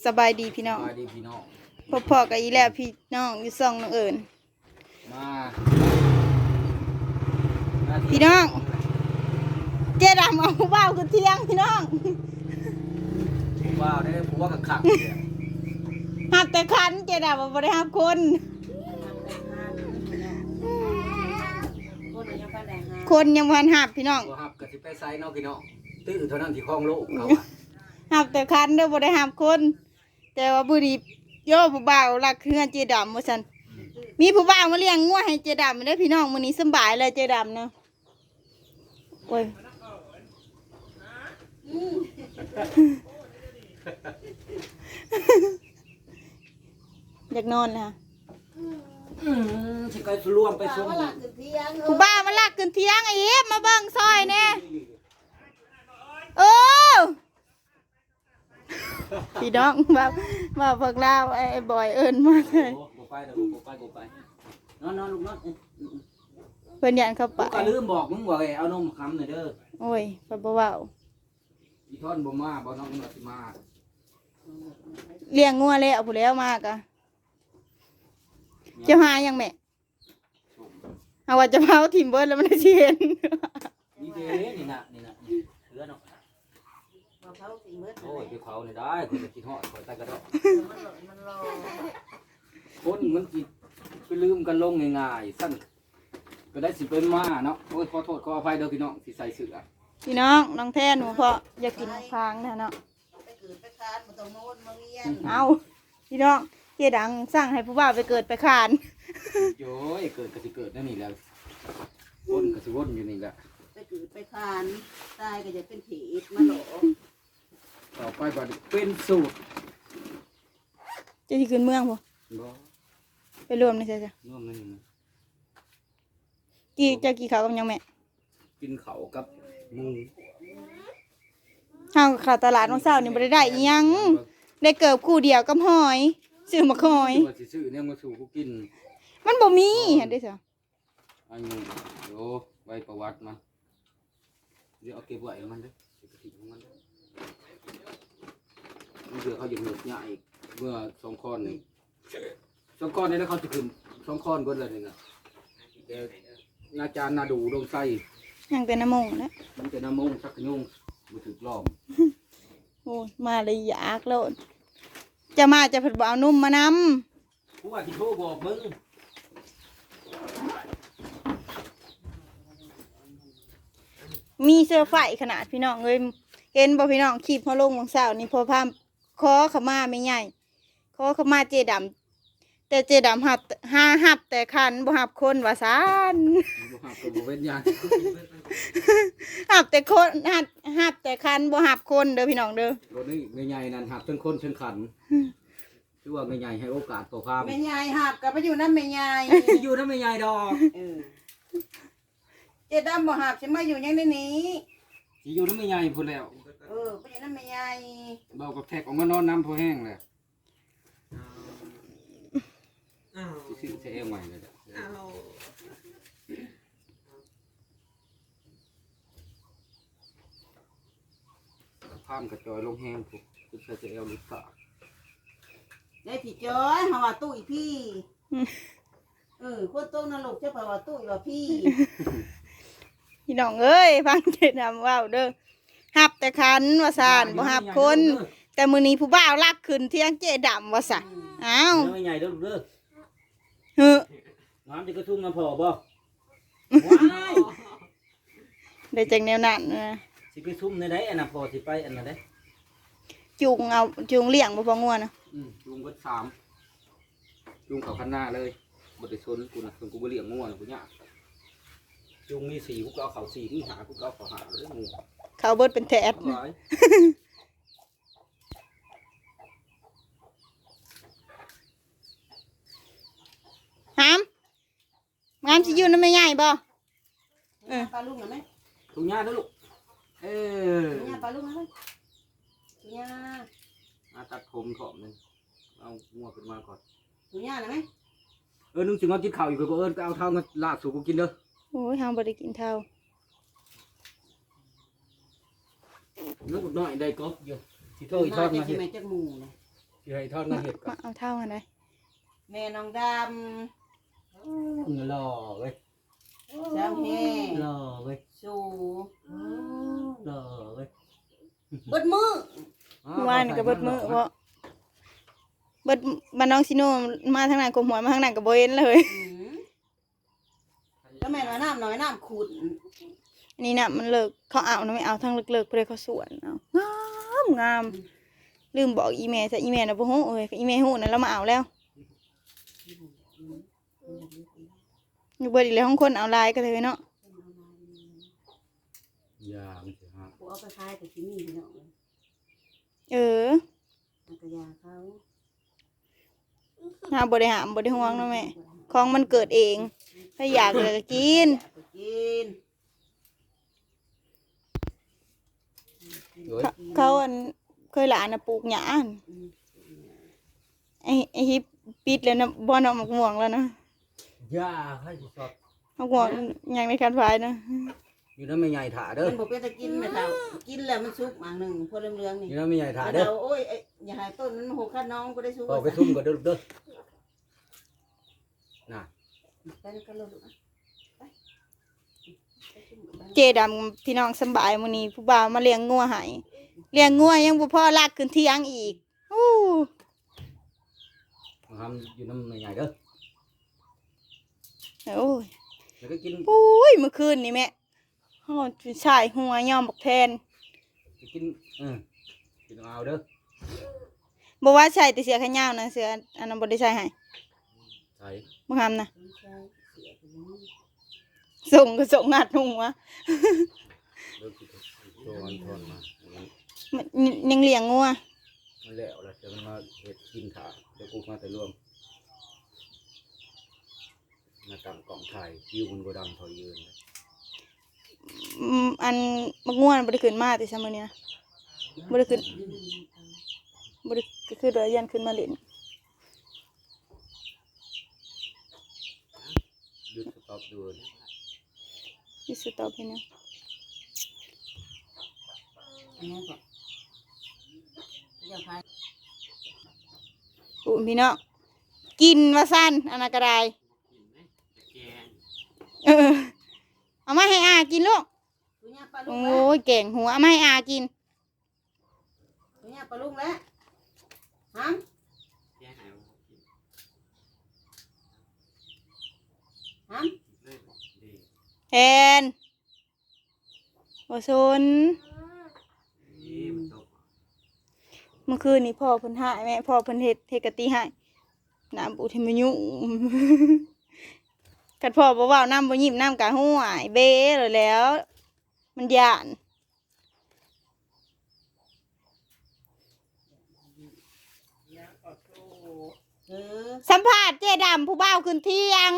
สบายดีพี่น้องสบายดีพี่น้องพ่อๆกับอีแล้วพี่น้องอยู่ซ่องน้องเอิญมาพี่น้องเจ๊ดำเอาผู้บ่าวขึ้นเที่ยงพี่น้องว้าวได้ผมว่าขักหับแต่คันเจ๊ดำบ่ได้หับคนคนยังพันหับพี่น้องตัวฮับกะสิไปไซน์เนาะพี่น้องตื้อเท่านั้นที่คลองโลกเขาหับแต่คันเด้อบ่ได้หับคนแต่ว่าบุรีโย่ผู้บ่าวรักเฮือนเจ๊ดำว่าซั่นมีผู้บ่าวมาเลี้ยงงัวให้เจ๊ดำเด้อพี่น้องมื้อนี้สำบายเลยเจ๊ดำเนาะโอ้ยอยากนอนนะสิไปรวมไปส่งผู้บ้ามาลักขึ้นเที่ยงไอ้เอฟมาเบิ่งซอยแน่พี่น้องมาพวกเราไอ้บอยเอิญมาเลยกูไปเด้อกูไปนอนลูกนอนเพิ่นยันเข้าไปก็ลืมบอกมึงว่าเอานมคำหน่อยเด้อโอ้ยเพิ่นบ่เว้าอีท่อนบ่มาบ่น้องสิมาเลี้ยงงัวแล้วผู้แล้วมากะจะหายังแม่เอาว่าจะเผาถิ่มเบิดแล้วมันได้สิเห็นนี่เด้นี่น่ะเหลือเนาะโอ้ยไปเผานี่ได้คนจะกินฮอดคอยใต้กระดอกคนมันสิไปลืมกันลงง่ายๆสั้นก็ได้สิเป็นมาเนาะโอ้ยขอโทษขออภัยเด้อพี่น้องที่ใส่เสื้อพี่น้องน้องแทนหนูเพราะอยากกินฟางนะเนาะเอาพี่น้องเจ๊ดังสั่งให้ผู้บ่าวไปเกิดไปคานโย้ยเกิดก็สิเกิดนั่นนี่แหละวนก็สิวนอยู่นี่แหละไปเกิดไปคานตายก็จะเป็นผีมาหลอกต่อไปก็เป็นสูตรจะที่ขึ้นเมืองบ่บ่ไปรวมนี่ใช่จ้ะร่วมนั่นนี่นะกี่ข้าวกับยังแม่กินเขาวกับหมูเฮาเข้าตลาดวันเสาร์นี่บ่ได้อิหยังได้เกิบคู่เดียวกับหอยซื้อมาหอยว่าสิซื้อเนี่ยมาสู่กูกินมันบ่มีหั่นเด้อจ้ะอันนี้โยไว้ประวัติมันเดี๋ยวเอาเก็บไว้ให้มันเด้อเก็บกระถิ่นของมันเด้อมันเดี๋ยวเขาจะเหนื่อยใหญ่อีกเมื่อสองก้อนนี่สองก้อนนี่แล้วเขาจะขึ้นสองก้อนเบิดเลยนี่นะเดี๋ยวอาจารย์นาดูลงไส้ยังแต่น้ำมงแล้วมันจะน้ำมงสักขยุ่งมาถึกล้อมโอ้ยมาเลยอยากโลดจะมาจะเพิ่นบ่เอานุ่มมานผู้ว่าที่โทรบอกมึงำมีเสื้อไฟขนาดพี่น้องเอ้ยเห็นบ่พี่น้องคลิปเฮาลงวันเสาร์นี่พอพามขอเข้ามาไม่ใหญ่ขอเข้ามาเจดำแต่เจดำหับแต่คันบ่หับคนว่าซั่นบ่หับกับบ่เว้นยางหับแต่คนหับแต่คันบ่หับคนเด้อพี่น้องเด้อรถนี้ไม่ใหญ่นั่นหับเชิงคนเชิงขันชื่อว่าไม่ใหญ่ให้โอกาสต่อความแม่ยายหับกับไปอยู่น้ำแม่ยายอยู่นั่นไม่ใหญ่ดอกเจ๊ดำบ่หับฉันมาอยู่ยังในนี้สิอยู่นั่นไม่ใหญ่พูดแล้วไปอยู่น้ำแม่ยายเบากับแท็กออกมานอนน้ำพอแห้งเลยสิซื้อใช้เอวใหม่เลยข้ามกระจอยลงแห้งปุ๊บคือใช้เอวลุกตาได้ผีจ้อยหาว่าตู้อีพี่คนโตนรกเจ้าป่าว่าตู้อีว่าพี่พี่น้องเอ้ยฟังเจดำว้าวเด้อหับแต่คันว่าซั่นบ่หับคน แต่มื้อนี้ผู้บ่าวลักขึ้นเที่ยงเจดำว่าซั่นอ้าวไม่ใหญ่เด้อลูกเด้อเฮ้อน้ำจะกระทุ่มน้ำพอบ่ว้ายได้จังแนวนั้นนะสิไปทุ่มในไหนอันน่ะพอสิไปอันนั้นได้จูงเลี้ยงบ่พองัวนะลุงเบิด3ลุงเขาคันหน้าเลยบ่ได้ชนกูนะชนกูบ่เลี้ยงงัวนะกูยากลุงมี4กูก็เอาเขา4มี5กูก็เอาเขา5เลยงูเขาเบิดเป็นแถบหลายหามงามสิอยู่นำแม่ใหญ่บ่ปลาลุงนะไหมลุงย่าเด้อลูกเออเนี่ยปลาลุงนะไหมเนี่ยมาตัดผมถอมนึงเอางัวขึ้นมาก่อนเนี่ยนะไหมนึงสิงเอากินข้าวอยู่ก็บ่ก็เอาเท่ามาลาดสู่กูกินเด้อโอ้ยเฮาบ่ได้กินเท่านึกน้อยได้กบอยู่สิโทรอีกทมาอดจะมากิเฮ็นดแม่จักหมูนะสิให้ทอดมาเห็ดก่อมาน เอาเท่ากันได้แม่น้องดหล่อเว้ยำเจ้าแห่หล่อเว้ยสู่หล่อเว้ยเบิดมือว่านี่ก็เบิดมื้อเพราะเบิดบ้านน้องซิโนมาทางนั้นกมหัวมาทางนั้นก็บ่เห็นเลยก็แม่นว่าน้ำน้อยน้ำขุ่นอันนี้น่ะมันเลิกเขาเอานะไม่เอาทางเลิกๆเพื่อเขาสวนเอางามลืมบอกอีเมลซะอีเมลน่ะบ่ฮู้เอ้ยอีเมลฮู้นั่นเรามาเอาแล้วอยู่เบิดอีกแล้วของคนเอาลายก็เลยเนาะยามันสิฮะกูเอาไปขายแต่ที่นี่เนาะเออมันก็ยาเขาหาบ่ได้หามบ่ได้ห่วงเนาะแม่ของมันเกิดเองถ้าอยากเลยก็กินไปกินโอ้ยเขาอันเคยหลานน่ะปลูกหญ้าอันไอ้ฮิปปิดแล้วนะบ่เนาะมักม่วงแล้วนะยาให้สิสดมักม่วงยังในคันฝายนะอยู่นั้นไม่ใหญ่ถ่าเด้อมันบอกเป็นตะกินแม่เฒ่ากินแล้วมันสุกมากหนึ่งพวกเรื่องๆนี่อยู่นั้นไม่ใหญ่ถ่าแม่เด้อเฒ่าโอ้ยอย่าให้ต้นมันหกข้าน้องก็ได้สุกเอาไปทุ่มก่อนเด้อเด้อน่ะไปกันเลยลูกไปเจดำพี่น้องสำบายมื้อนี้ผู้บ่าวมาเลี้ยงงัวให้เลี้ยงงัวยังบ่พอลากขึ้นเที่ยงอีกอู้มาทำอยู่น้ำไม่ใหญ่เด้อโอ้ยแล้วก็กินโอ้ยเมื่อคืนนี่แม่ฮอดชายหัวยอมบักแทนกินกินเอาเด้อบ่ว่าใส่แต่เสือแขนยาวนะเสืออันนั้นบ่ได้ใส่ให้ใส่บ่ทำนะไม่ใช่เสียไปแล้วส่งก็ส่งงัดหัวเด้อกินตัวมันทอนมามันยังเลี้ยงงัวมันแล้วแล้วจะมันมาเฮ็ดกินถ่าเดี๋ยวกูมาแต่รวมมาตั้งกล่องถ่ายวิวมันบ่ดำเท่ายืนเลยอันบักงัวน่ะบ่ได้ขึ้นมาแต่ซัมื้อนี้นะบ่ได้ขึ้นบ่ได้ก็คือโดยยันขึ้นมาเล่นหยุดสต็อปดูนะที่สุดต่อไปนะอันนี้ก่อนอย่าพายอุ้พี่น้องกินว่าซั่นอันนั้นก็ได้เออเอามาให้อากินลูกตัวเนี้ยปลาลุโอ้งแล้วยเก่งหัวเอามาให้อากินตัวเนี้ยปลาลุงแล้วฮะฮะแทนโอซนเมื่อคืนนี้พ่อเพิ่นหายแม่พ่อเพิ่นเฮ็ดกะติให้น้ำอุทิมยุกัดพ่อบ่เว้าน้ำบ่ยิ้มน้ำกะห้วยเบ้เลยแล้ว มันย่านเออสัมภาษณ์เจ๊ดำผู้บ่าวขึ้นเที่ยง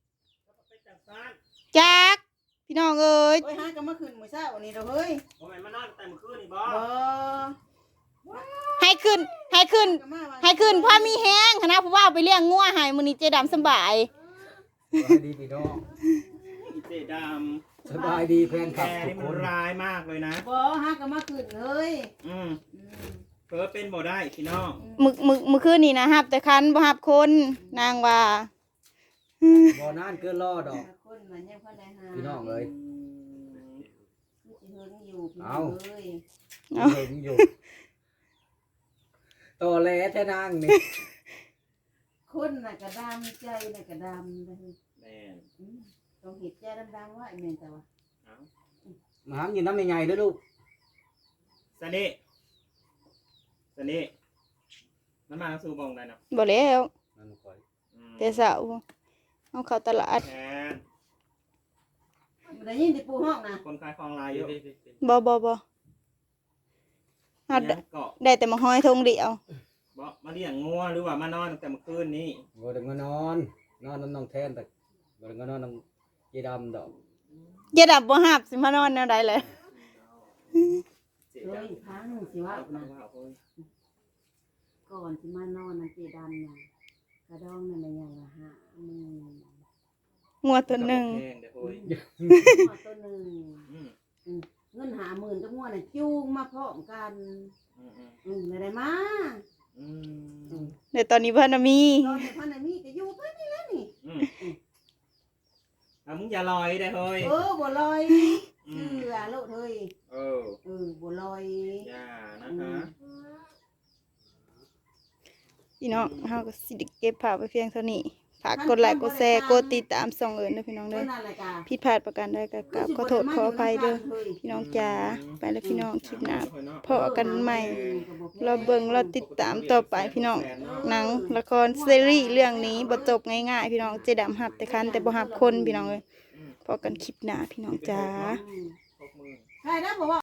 จักพี่น้องเอ้ยโอ้ยฮะก็เมื่อคืนมื้อเช้านี่เราเฮ้ยบ่แม่นมานอนแต่เมื่อคืนนี่บ่บ่ให้ขึ้นให้ขึ้นก็มาว่าให้ขึ้นพ่อมีแห้งคณะผู้บ่าวไปเลี้ยงงัวให้มื้อนี้เจ๊ดำสำบายสบายดีพี่น้องเจดสบายดีแฟนำคลับแกทุนี่กมัคน นร้ายมากเลยนะบ่ฮะก็เมื่อคืนเฮ้ยอืมอืมเพิ่เป็นบ่ได้พี่น้องมื้อคืนนี่นะฮับแต่คันบ่ฮับคนนางว่าบ่นานเกินรอดอกคนมันยังพอได้หาพี่น้องเอ้ยสิเฮิงอยู่พี่น้เอาองเอ้ยเห็นอยู่ต่อแหลแท้นางนี่คนน่ะก็ดำใจน่ะก็ดำเลยแม่นต้องเห็ดใจดำๆว่าไอ้แม่นแต่ว่าเอามาหามอยู่น้ำใหญ่ๆเด้อลูกสนิสนิมันมาสู่บองได้เนาะบ่แล้วนั่นค่อยอืมแต่เช้าเอาเข้าตลาดแทนบ่ได้ยินที่ปู่ห้องนะคนขายของลายเยอะบ่เอายังเกาะได้แต่มาห้อยทงเดียวบ่มาเลี้ยงงัวหรือว่ามานอนตั้งแต่เมื่อคืนนี้บ่ได้มานอนนอนน้ำน้องแทนแต่บ่ได้มานอนน้ำเจดำดอกเจ๊ดำบ่ฮับสิมานอนแนวใดเลยเจ๊เฮ้ดำยครั้งสิว่านะโอ้ยก่อนสิมานอนนะเจดำน่ะกระดองนั่นน่ะยังละหามืองัวตัวหนึงแพงเด้อโอ้ยหัวตัวหนึ่งอืมเงิน50,000กับงัวน่ะจูงมาพร้อมกันอืมได้มาอืมแต่ตอนนี้เพิ่นน่ะมีตอนนี้พันน่ะมีก็อยู่เพิ่นนี่แหละนี่มึงอย่าลอยได้เฮ้ยบ่ลอยอืเชื่มอโลดเฮ้ย บ่ลอยอย่านะคะพี่น้องเฮาก็สิได้เก็บภาพไว้เพียงเท่านี้ฝากกดไลค์กดแชร์กดติดตามส่องเอิญเด้อพี่น้องเด้เพิ่อนนั่นแหละจ้ะผิดพลาดประการใดก็กราบขอโทษขออภัยเด้อพี่น้องจ๋าไปแล้วพี่น้องคลิปหน้าพบกันใหม่ เราเบิ่งเราติดตามต่อไปพี่น้องหนังละครซีรีส์เรื่องนี้บ่จบง่ายๆพี่น้องเจดำหับแต่คันแต่บ่หับคนพี่น้องเอ้ยพบกันคลิปหน้าพี่น้องจ๋าใครนะบอกว่า